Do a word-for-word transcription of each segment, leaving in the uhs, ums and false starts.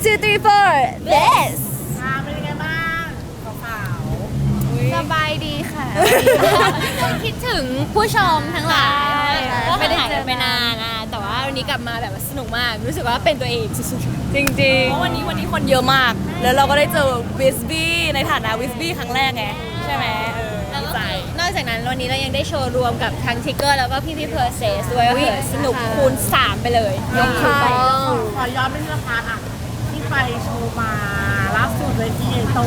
two three four this อ่าเป็นยังไงบ้างสาวสบายดีค่ะคิดถึงผู้ชมทั้งหลายไม่ได้เจอไปนานนะแต่ว่าวันนี้กลับมาแบบสนุกมากรู้สึกว่าเป็นตัวเองสุดๆจริงๆเพราะวันนี้วันนี้คนเยอะมาก แล้วเราก็ได้เจอวิสบี้ในฐานะวิสบี้ครั้งแรกไงใช่ไหมเออแล้วดีก็ใจนอกจากนั้นวันนี้เรายังได้โชว์รวมกับทั้งทิกเกอร์แล้วก็พี่พี่เพอร์เซสด้วยว่าเออสนุกคูณสามไปเลยยกคูณไปๆขอย้อนไปที่ละครอ่ะที่ไปโชว์มาล่าสุดเลยที่เอโต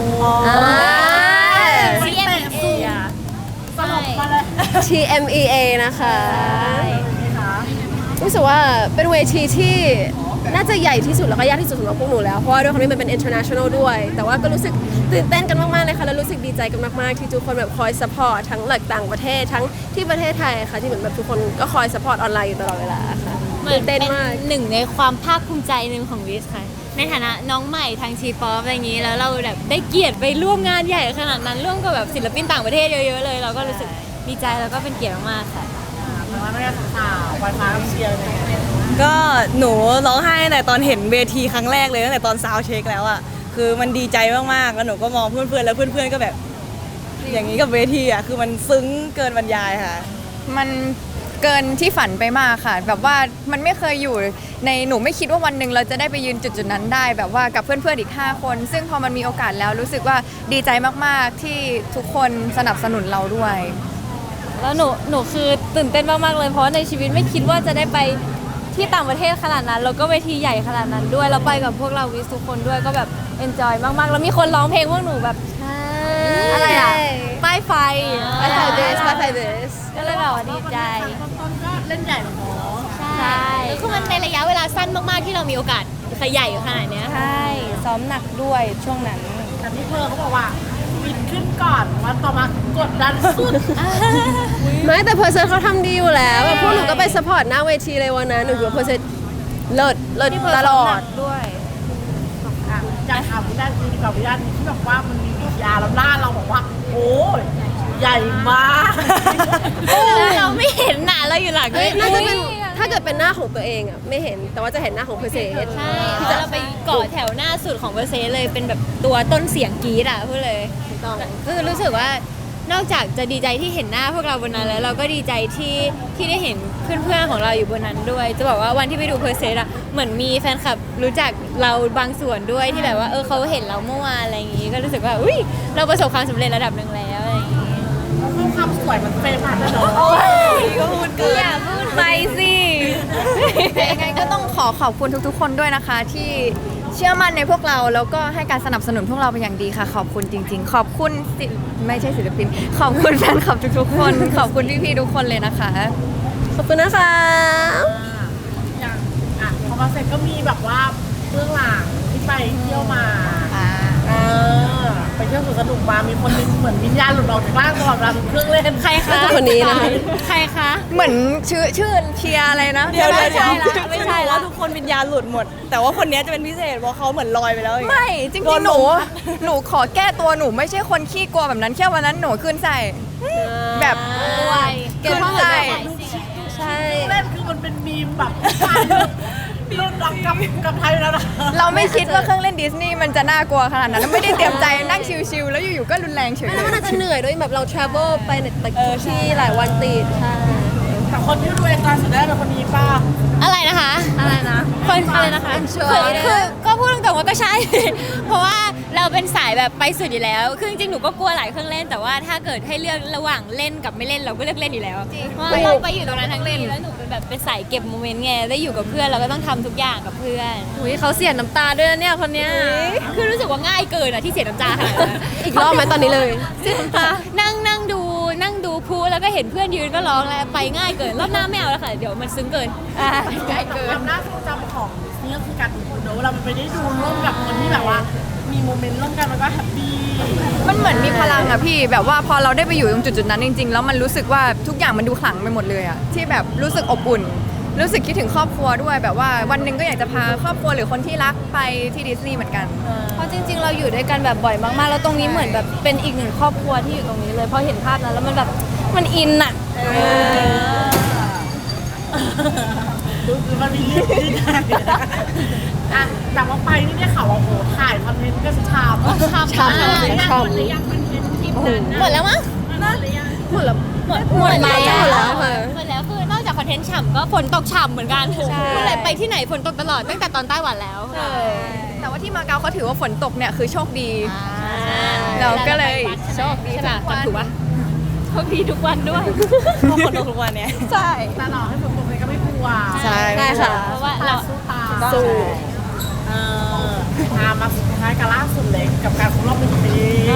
ซีเอ็มเอสลบมาเลยที เอ็ม อี เอ นะคะนะคะรู้สึกว่าเป็นเวทีที่น่าจะใหญ่ที่สุดแล้วก็ยากที่สุดสำหรับพวกหนูแล้วเพราะว่าด้วยความที่มันเป็น international ด้วย แต่ว่าก็รู้สึกตื่นเต้นกันมากๆเลยค่ะแล้วรู้สึกดีใจกันมากๆที่ทุกคนแบบคอย support ทั้งหลักต่างประเทศทั้งที่ประเทศไทยค่ะที่เหมือนแบบทุกคนก็คอย support ออนไลน์อยู่ตลอดเวลาค่ะเหมือตื่นนเป็เต้นนมากหนึ่งในความภาคภูมิใจหนึ่งของวิสค่ะในฐานะน้องใหม่ทางทีป๊อปอะไรอย่างนี้แล้วเราแบบได้เกียรติไปร่วมงานใหญ่ขนาดนั้นร่วมกับแบบศิลปินต่างประเทศเยอะๆเลย เราก็รู้สึกดีใจแล้วก็เป็นเกียรติมากๆค่ะแต่ว่าไม่ได้สาวๆไฟฟ้าเชียร์เลยก็หนูร้องไห้ตั้งแต่ตอนเห็นเวทีครั้งแรกเลยตั้งแต่ตอนซาวด์เช็คแล้วอ่ะคือมันดีใจมากๆแล้วหนูก็มองเพื่อนๆแล้วเพื่อนๆก็แบบ อย่างนี้กับเวทีอ่ะคือมันซึ้งเกินบรรยายค่ะมันเกินที่ฝันไปมากค่ะ แบบว่ามันไม่เคยอยู่ในหนูไม่คิดว่าวันหนึ่งเราจะได้ไปยืนจุดจุดๆนั้นได้ แบบว่ากับเพื่อนๆอีกห้าคน ซึ่งพอมันมีโอกาสแล้วรู้สึกว่าดีใจมากๆที่ทุกคนสนับสนุนเราด้วยแล้วหนูหนูคือตื่นเต้นมากๆเลยเพราะในชีวิตไม่คิดว่าจะได้ไปที่ต่างประเทศขนาดนั้นแล้วก็เวทีใหญ่ขนาดนั้นด้วยแล้วไปกับพวกเราวิสทุกคนด้วยก็แบบเอนจอยมากๆแล้วมีคนร้องเพลงพวกหนูแบบอะไรอ่ะป้ายไฟไปใส่ this ไปใส่ this ก็เลยแบบว่าดีใจต้นๆก็เล่นใหญ่หรอใช่แล้วคือมันในระยะเวลาสั้นมากๆที่เรามีโอกาสขยายขนาดเนี้ยใช่ซ้อมหนักด้วยช่วงนั้นแต่พี่เพอร์เขาบอกว่าบินขึ้นก่อนวันต่อมากดดันสุดไม่แต่เพอร์เซนเขาทำดีอยู่แล้วแบบพวกหนูก็ไป support หน้าเวทีเลยวันนั้นหนูคิดว่าเพอร์เซนเลิศเลิศตลอดด้วยอ่ะอยากถามวิญญาณดีกว่าวิญญาณที่แบบว่ามันมีวิทยาแล้วล่าเราบอกว่า โอ้ยใหญ่มากเราไม่เห็นหนาเราอยู่หลังเอ้ยน่าจะเป็นถ้าเกิดเป็นหน้าของตัวเองอ่ะไม่เห็นแต่ว่าจะเห็นหน้าของเพอร์เซนใช่เพราะเราไปเกาะแถวหน้าสุดของเวอร์เซเลยเป็นแบบตัวต้นเสียงกรี๊ดอ่ะพูดเลยต้องคือรู้สึกว่านอกจากจะดีใจที่เห็นหน้าพวกเราบนนั้นแล้วเราก็ดีใจที่ที่ได้เห็นเพื่อนๆของเราอยู่บนนั้นด้วย จะบอกว่าวันที่ไปดูเพอร์เซสอะเหมือนมีแฟนคลับรู้จักเราบางส่วนด้วยที่แบบว่าเออเขาเห็นเราเมื่อวานอะไรอย่างงี้ก็รู้สึกว่าอุ้ยเราประสบความสำเร็จระดับหนึ่งแล้วอะไรอย่างงี้คือความสวยมันเฟรมผ่านเลยเนาะก็พูดเกินอย่าพูดไปสิยังไงก็ต้องขอขอบคุณทุกๆ คนด้วยนะคะ ที่เชื่อมั่นในพวกเราแล้วก็ให้การสนับสนุนพวกเราเป็นอย่างดีค่ะ ขอบคุณจริง ๆ ขอบคุณศิไม่ใช่ศิลปิน ขอบคุณแฟนคลับทุกๆ คน ขอบคุณพี่ๆทุกคนเลยนะคะขอบคุณนะคะอย่างอ่ะพอมาเสร็จก็มีแบบว่าเบื้องหลังที่ไปเที่ยวมาเออไปเที่ยวสวนสนุกมามีคนนึงเหมือนวิญญาณหลุดออกจากร่างตลอดเวลาเครื่องเล่นใครคะคนนี้นะคะใครคะเหมือนชื่อชื่อเชียร์อะไรนะเดี๋ยวไม่เดี๋ยวใช่เดี๋ยวละไม่ไม่ใช่ใช่ละว่าทุกคนวิญญาณหลุดหมด แต่ว่าคนนี้จะเป็นพิเศษเพราะเขาเหมือนลอยไปแล้วอย่างเงี้ยไม่จริงโดนๆหนูลมพัดหนูขอแก้ตัวหนูไม่ใช่คนขี้กลัวแบบนั้นแค่วันนั้นหนูขึ้นใส่ แบบด้วยเก็บข้อมูลใช่แบบใช่เล่นคือมันเป็นมีมแบบรุ่นรักกับกับไทยแล้วนะเราไม่คิดว่าเครื่องเล่นดิสนีย์มันจะน่ากลัวขนาดนั้นแล้วไม่ได้เตรียมใจนั่งชิลๆแล้วอยู่ๆก็รุนแรงเฉยแล้วมันอาจจะเหนื่อยด้วยแบบเรา travel ไปในตึกที่หลายวันติดใช่แต่คนที่ดูเองการแสดงเป็นคนนี้ป้าอะไรนะคะอะไรนะคนอะไรนะคะคือคือก็พูดตรงๆว่าก็ใช่ เพราะว่าเราเป็นสายแบบไปสุดอยู่แล้ว คือจริงๆ หนูก็กลัวหลายเครื่องเล่น แต่ว่าถ้าเกิดให้เลือกระหว่างเล่นกับไม่เล่นเราก็เลือกเล่นอยู่แล้วเพราะว่าเราไปอยู่ตรงนั้นทั้งเล่นแล้วหนูเป็นแบบเป็นสายเก็บโมเมนต์ไงได้อยู่กับเพื่อนเราก็ต้องทำทุกอย่างกับเพื่อนอุ้ยเขาเสียน้ำตาด้วยนะเนี่ยคนเนี้ยคือรู้สึกว่าง่ายเกินอะที่เสียน้ำตาขนาดนั้นอีกรอบไหมตอนนี้เลยเสียน้ำตานั่งนั่งดูนั่งดูพลุแล้วก็เห็นเพื่อนยืนก็ร้องแล้วไปง่ายเกินรอบหน้าไม่เอาแล้วค่ะเดี๋ยวมันซึ้งเกินใกล้เกินความน่าทรงจำของดิสนีย์ก็คือการดูเนอะเราไปได้ดูร่วมกับคนที่แบบว่า มีโมเมนต์ร่วมกันมันก็แฮปปี้มันเหมือนมีพลังอะพี่แบบว่าพอเราได้ไปอยู่ตรงจุดๆนั้นจริงๆแล้วมันรู้สึกว่าทุกอย่างมันดูขลังไปหมดเลยอะที่แบบรู้สึกอบอุ่น รู้สึกคิดถึงครอบครัวด้วยแบบว่าวันหนึ่งก็อยากจะพาครอบครัวหรือคนที่รักไปที่ดิสนีย์เหมือนกันเพราะจริงๆ เราอยู่ด้วยกันแบบบ่อยมากๆ แล้วตรงนี้เหมือนแบบเป็นอีกหนึ่งครอบครัวที่อยู่ตรงนี้เลย พอเห็นภาพนั้นแล้วมันแบบมันอินอะรู้คือมันมีเรื่องที่ได้อ่ะแต่ว่าไปนี่เนี่ยข่าวว่าโอ้โหถ่ายคอนเทนต์ก็ชามชามชามมากชามหมดหรือยังคอนเทนต์ที่นั้นหมดแล้วมั้งหมดหรือยังหมดแล้วหมดหมดแล้แล้ว วแล้วค่ะหมดแล้วคือนอกจากคอนเทนต์ฉ่ำก็ฝนตกฉ่ำเหมือนกันพูดเลยไปที่ไหนฝนตกตลอดตั้งแต่ตอนไต้หวันแล้วแต่ว่าที่มาเก๊าเขาถือว่าฝนตกเนี่ยคือโชคดี เราก็เลยโชคดีใช่ทุป่ะกวันถูกปะโชคดีทุกวันด้วยเพราะคนทุกวันเนี้ยใช่แต่หล่อให้ผมผมเลยก็ไม่กลัวใช่ได้ค่ะเพราะว่าเราเราสู้ตาสู้เออมามาสุดท้ายกันล่าสุดเลยกับการครบรอบหนึ่งปี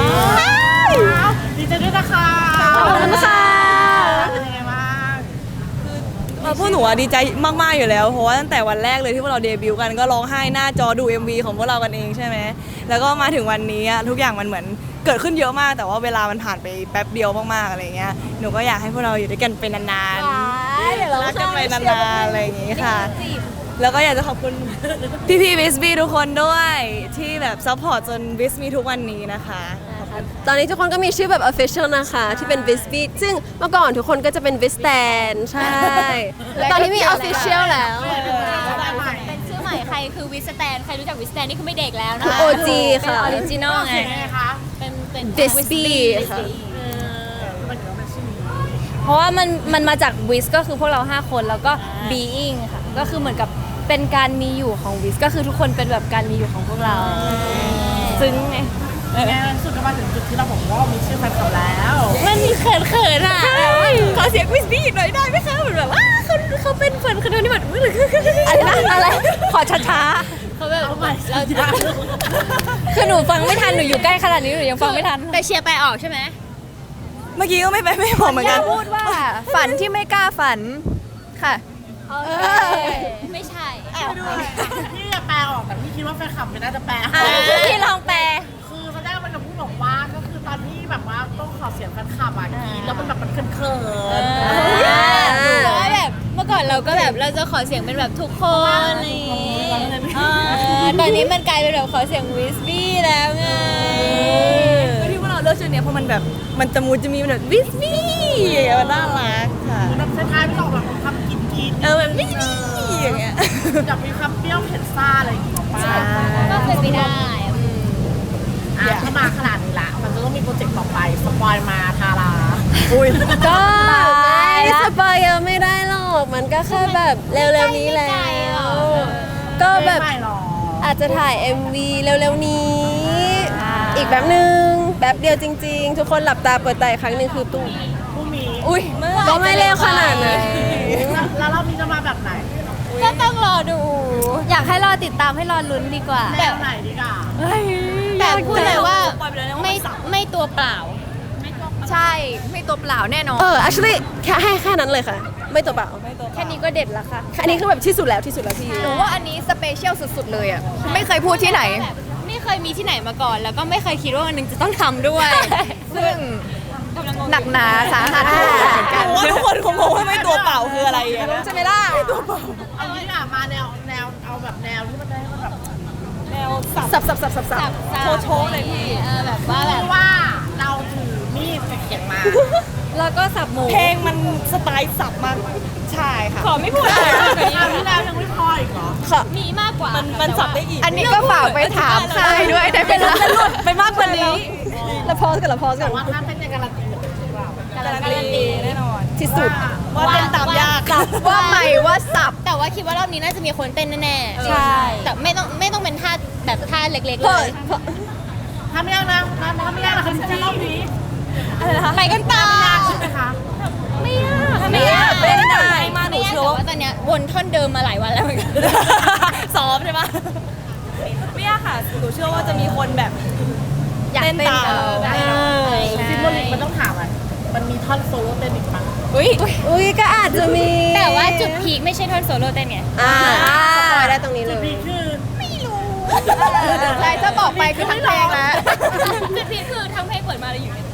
ดีใจด้วยนะคะขอบคุณค่ะเป็นยังไงบ้างเออพวกหนูอะดีใจมากๆอยู่แล้ว เพราะว่าตั้งแต่วันแรกเลยที่พวกเราเดบิวต์กันก็ร้องไห้หน้าจอดู เอ็ม วี ของพวกเรากันเองใช่ไหมแล้วก็มาถึงวันนี้อะทุกอย่างมันเหมือนเกิดขึ้นเยอะมาก แต่ว่าเวลามันผ่านไปแป๊บเดียวมากๆอะไรเงี้ยหนูก็อยากให้พวกเราอยู่ด้วยกันเป็นนานๆรักกันไปนานๆอะไรอย่างงี้ค่ะ แล้วก็อยากจะขอบคุณ พี่พี่วิสบีทุกคนด้วยที่แบบซัพพอร์ตจนวิสมีทุกวันนี้นะคะตอนนี้ทุกคนก็มีชื่อแบบ official นะคะ ที่เป็น v i s b e a t ซึ่งเมื่อก่อนทุกคนก็จะเป็น v i s t a n ใช่ ตอนนี้มี official แล้วเป็นชื่อใหม่ใครคือวิสแตนใครรู้จักวิสแตนนี่คือไม่เด็กแล้วนะคือคะโอ จี ค่ะเป็นออริจินอลไงเสียงยังไงคะเป็นเป็น Wispy ค่ะเออมันถึงเป็นชื่อนี้เพราะว่ามันมันมาจากวิสก็คือพวกเรา ห้า คนแล้วก็ being ค่ะ ก็คือเหมือนกับเป็นการมีอยู่ของวิสก็คือทุกคนเป็นแบบการมีอยู่ของพวกเรา ซึ้งไงแง่สุดก็มาถึงจุดที่เราบอกว่ามีชื่อแฟนคลับแล้วมันมีเขินเขินๆอ่ะขอเสียงวิสบี้หน่อยได้ไหมคะเหมือนแบบว่าเขาเขาเป็นแฟนคนนี้แบบอะไรนะอะไร ขอช้าเขาแบบเอาใหม่เราคือหนูฟังไม่ทันหนูอยู่ใกล้ขนาดนี้หนูยังฟังไม่ทันแต่เชียร์ไปออกใช่ไหมเมื่อกี้ก็ไม่ไปไม่บอกเหมือนกันพูดว่าฝันที่ไม่กล้าฝันค่ะไม่ใช่พี่จะแปลออกแต่พี่คิดว่าแฟนคลับไม่น่าจะแปลพี่ลองแปลคือแสดงมันจะพูดบอกว่าก็คือตอนที่แบบว่าต้องขอเสียงแฟนคลับอ่ะกรีดแล้วมันแบบมันเขินเขินเพราะว่าแบบเมื่อก่อนเราก็แบบเราจะขอเสียงเป็นแบบทุกคนอะไรอย่างงี้เออตอนนี้มันกลายเป็นแบบขอเสียงวิสบี้แล้วไงที่พวกเราเลือกชื่อเนี้ยเพราะมันแบบมันจะมูจะมีมันแบบวิสบี้มันน่ารักค่ะแบบท้ายๆไม่ออกแบบคำกินกินเออแบบวิสบี้อย่างเงี้ยจะมีคำเปรี้ยวเผ็ดซ่าอะไรอย่างเงี้ยป้าก็เป็นไปได้อ่ะถ้ามาขนาดนี้ละมันจะต้องมีโปรเจกต์ต่อไปสปอยมาทาราอุ้ยๆ ก็ไม่สปอยเยอะไม่ได้หรอก มันก็แค่แบบเร็วๆนี้แหละก็แบบไม่หรออาจจะถ่าย เอ็ม วี เร็วๆนี้ อีกแบบหนึ่งแบบเดียวจริง ๆ ทุกคนหลับตาเปิดตาอีกครั้งหนึ่งคือตุ้มผู้มีอุ้ยก็ไม่เร็วขนาดนั้นแล้วรอบนี้จะมาแบบไหนก็ต้องรอดูอยากให้รอติดตามให้รอลุ้นดีกว่าแบบไหนดีกว่าแต่พูดเลยว่าไม่ไม่ตัวเปล่าใช่ไม่ตัวเปล่าแน่นอนเออ actually แค่ให้แค่นั้นเลยค่ะ ไม่ตัวเปล่าแค่นี้ก็เด็ดแล้วค่ะอันนี้คือแบบที่สุดแล้วที่สุดแล้วพี่หนูว่าอันนี้สเปเชียลสุดๆเลยอ่ะ ไม่เคยพูดที่ไหนแบบไม่เคยมีที่ไหนมาก่อน แล้วก็ไม่เคยคิดว่าวันหนึงจะต้องทำด้วยซึ่งหนักหนาสาหัสเหมือนกันว่าทุกคนคงงงว่าไม่ตัวเปล่าคืออะไรอะนะใช่ไหมล่ะเอางี้ดีกว่ามาแนวแนวเอาแบบแนวที่มันได้มันแบบแนวสับสับสับสับสับสับโชว์โชว์เลยพี่เออแบบว่าแบบที่ว่าเราถือมีดกับเขียงมาแล้วก็สับหมูเพลงมันสไตล์สับมากใช่ค่ะขอไม่พูดอะไรเอาที่แล้วยังไม่พออีกเหรอมีมากกว่ามันมันสับได้อีกอันนี้ก็ฝากไปถามค่ายด้วยได้ไหมคะไปมากกว่านี้แล้วพอสกันแล้วพอสกัแต่นว่าถ้าเป็นในการันตีเหมือนหรือเปล่าการันตีแน่นอนที่สุดว่าเต้นตามยากว่าใหม่ว่าสับแต่ว่าคิดว่ารอบนี้น่าจะมีคนเต้นแน่ๆใช่แต่ไม่ต้องไม่ต้องเป็นท่าแบบท่าเล็กๆเลยถ้าไม่ยากนะถ้าไม่ยากนะคือจะรอบนี้ไปกันต่อใช่ไหมคะไม่ยากไม่ยากเล่นได้มาหไม่นูยากเชื่แต่อว่าว่าตอนเนี้ยวนท่อนเดิมมาหลายวันแล้วเหมือนกันซ้อมใช่ปะไม่ยากค่ะ หนูเชื่อว่าจะมีคนแบบอยากเต้นเต้นตามเออใช่ซิมโบลิกมันต้องถามอ่ะมันมีท่อนโซโล่เต้นอีกปะอุ้ยอุ้ยก็อาจจะมีแต่ว่าจุดพีคไม่ใช่ท่อนโซโล่เต้นไงอ่าสปอยได้ตรงนี้เลจุดยพีคคือใช่ถ้าบอกไปคือทั้งเพลงแล้วจุดพีคคือทั้งเพลงเปิดมาเลยอยู่เนี่ย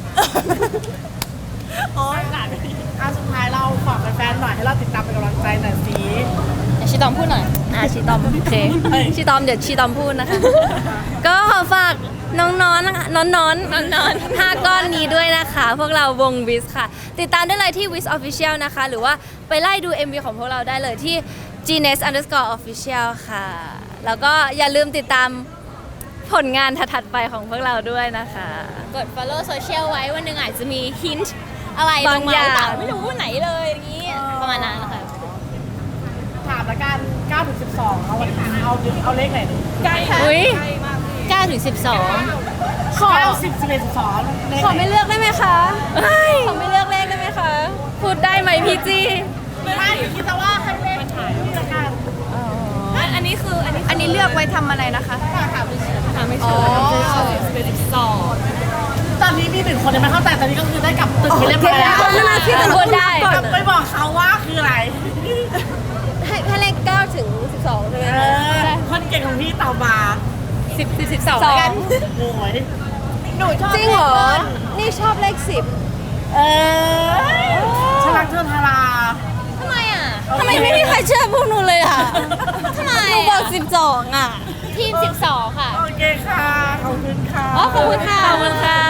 อ๋ออ่ะสุดท้ายเราฝากแฟนๆหน่อยให้เราติดตามเป็นกำลังใจหน่อยสิเดี๋ยวชิตอมพูดหน่อยอ่ะชีตอมโอเคชีตอมเดี๋ยวชีตอมพูดนะคะ ก็ขอฝากน้องๆนะคะน้องๆน้องๆห้าก้อนนี้ด้วยนะคะ พวกเราวงวิสค่ะ ติดตามได้เลยที่ วิส Official นะคะ หรือว่าไปไล่ดู เอ็ม วี ของพวกเราได้เลยที่ Gnes underscore official ค่ะ แล้วก็อย่าลืมติดตามผลงานถัดๆไปของพวกเราด้วยนะคะกด follow social ไว้วันหนึ่งอาจจะมี hint อะไรลบางงมาอย่าหรือเปล่าง ไม่รู้ไหนเลยอย่างนี้ประมาณนั้นนะคะถามละกันเก้าถึงสิบสองเอาวันเอาเอาเลขไหนดีอุ้ยเก้าถึงสิบสองขอเก้าสิบสิบเอ็ดสิบสองเลขขอไหนไม่เลือกได้ไหมคะขอไม่เลือกเลขได้ไหมคะ พูดได้ไหมพี่จี้ไม่คิดแต่ว่าให้เลขนี่ละกันอันนี้คืออันนี้อันนี้เลือกไว้ทำอะไรนะคะถามไม่เชื่อสิบสองตอนนี้มีหนึ่งคนยังไม่เข้าใจตอนนี้ก็คือได้กลับตึกไปเรียบร้อยแล้วนั่นน่ะพี่จะพูดได้กลับไปบอกเขาว่าคืออะไรให้ให้เลขเก้าถึงสิบสองใช่ไหมเอคะอคนเก่งของพี่ตอบมาสิบสิบสิบสองสองกันโอ้ยจริงเหรอ นี่ชอบเลขสิบเออฉันรักเธอทาราทำไมอ่ะทำไมไม่มีใครเชื่อพวกหนูเลยอ่ะทำไมหนูบอกสิบสองอ่ะทีมสิบสองค่ะโอเคค่ะ ขอบคุณค่ะอ๋อขอบคุณค่ะขอบคุณค่ะ